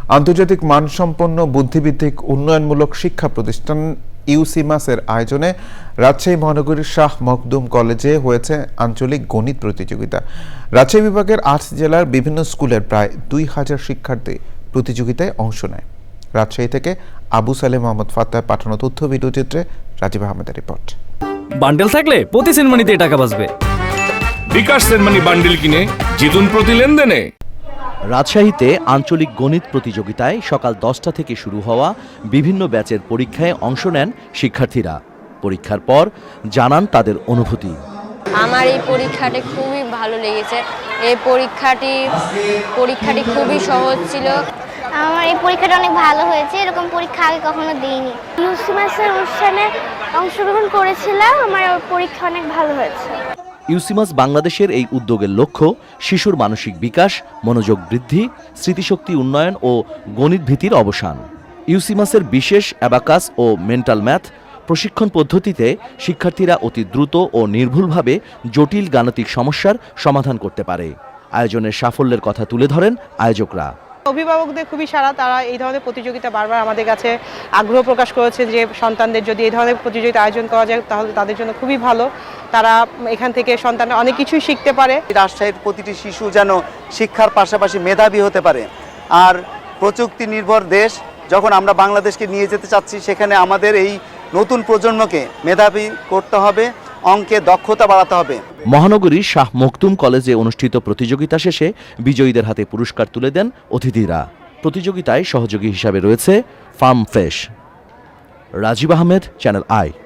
আন্তর্জাতিক মানসম্পন্ন বুদ্ধিভিত্তিক উন্নয়নমূলক শিক্ষা প্রতিষ্ঠান ইউসিমাসের আয়োজনে রাজশাহী মহানগরীর শাহ মখদুম কলেজে হয়েছে আঞ্চলিক গণিত প্রতিযোগিতা। রাজশাহী বিভাগের ৮ জেলার বিভিন্ন স্কুলের প্রায় ২,০০০ শিক্ষার্থী প্রতিযোগিতায় অংশ নেয়। রাজশাহী থেকে আবু সালেহ মোহাম্মদ ফাত্তার পাঠানো তথ্য ভিডিওচিত্রে রাজীব আহমেদের রিপোর্ট। বান্ডেল থাকলে প্রতি সেনমানিতে টাকা বাঁচবে। বিকাশ সেনমানি বান্ডেল কিনে জিতুন প্রতি লেনদেনে। রাজশাহীতে আঞ্চলিক গণিত প্রতিযোগিতায় সকাল 10টা থেকে শুরু হওয়া বিভিন্ন ব্যাচের পরীক্ষায় অংশ নেন শিক্ষার্থীরা। পরীক্ষার পর জানান তাদের অনুভূতি। আমার এই পরীক্ষাটি খুবই ভালো লেগেছে। এই পরীক্ষাটি খুবই সহজ ছিল। আমার এই পরীক্ষাটা অনেক ভালো হয়েছে, এরকম পরীক্ষা আগে কখনো দিইনি। ইউসিমাসের অনুষ্ঠানে অংশগ্রহণ করেছিলাম, আমার পরীক্ষা অনেক ভালো হয়েছে। ইউসিমাস বাংলাদেশের এই উদ্যোগের লক্ষ্য শিশুর মানসিক বিকাশ, মনোযোগ বৃদ্ধি, স্মৃতিশক্তি উন্নয়ন ও গণিত ভীতির অবসান। ইউসিমাসের বিশেষ অ্যাবাকাস ও মেন্টাল ম্যাথ প্রশিক্ষণ পদ্ধতিতে শিক্ষার্থীরা অতি দ্রুত ও নির্ভুলভাবে জটিল গাণিতিক সমস্যার সমাধান করতে পারে। আয়োজনের সাফল্যের কথা তুলে ধরেন আয়োজকরা। অভিভাবকদের খুবই সারা, তারা এই ধরনের প্রতিযোগিতা বারবার আমাদের কাছে আগ্রহ প্রকাশ করেছেন যে সন্তানদের যদি এই ধরনের প্রতিযোগিতা আয়োজন করা যায় তাহলে তাদের জন্য খুবই ভালো। তারা এখান থেকে সন্তানরা অনেক কিছুই শিখতে পারে। রাজশাহীর প্রতিটি শিশু যেন শিক্ষার পাশাপাশি মেধাবী হতে পারে। আর প্রযুক্তি নির্ভর দেশ যখন আমরা বাংলাদেশকে নিয়ে যেতে চাচ্ছি, সেখানে আমাদের এই নতুন প্রজন্মকে মেধাবী করতে হবে, অঙ্কে দক্ষতা বাড়াতে হবে। মহানগরীর শাহ মখদুম কলেজে অনুষ্ঠিত প্রতিযোগিতা শেষে বিজয়ীদের হাতে পুরস্কার তুলে দেন অতিথিরা। প্রতিযোগিতায় সহযোগী হিসাবে রয়েছে farm fresh. Rajib Ahmed, channel I.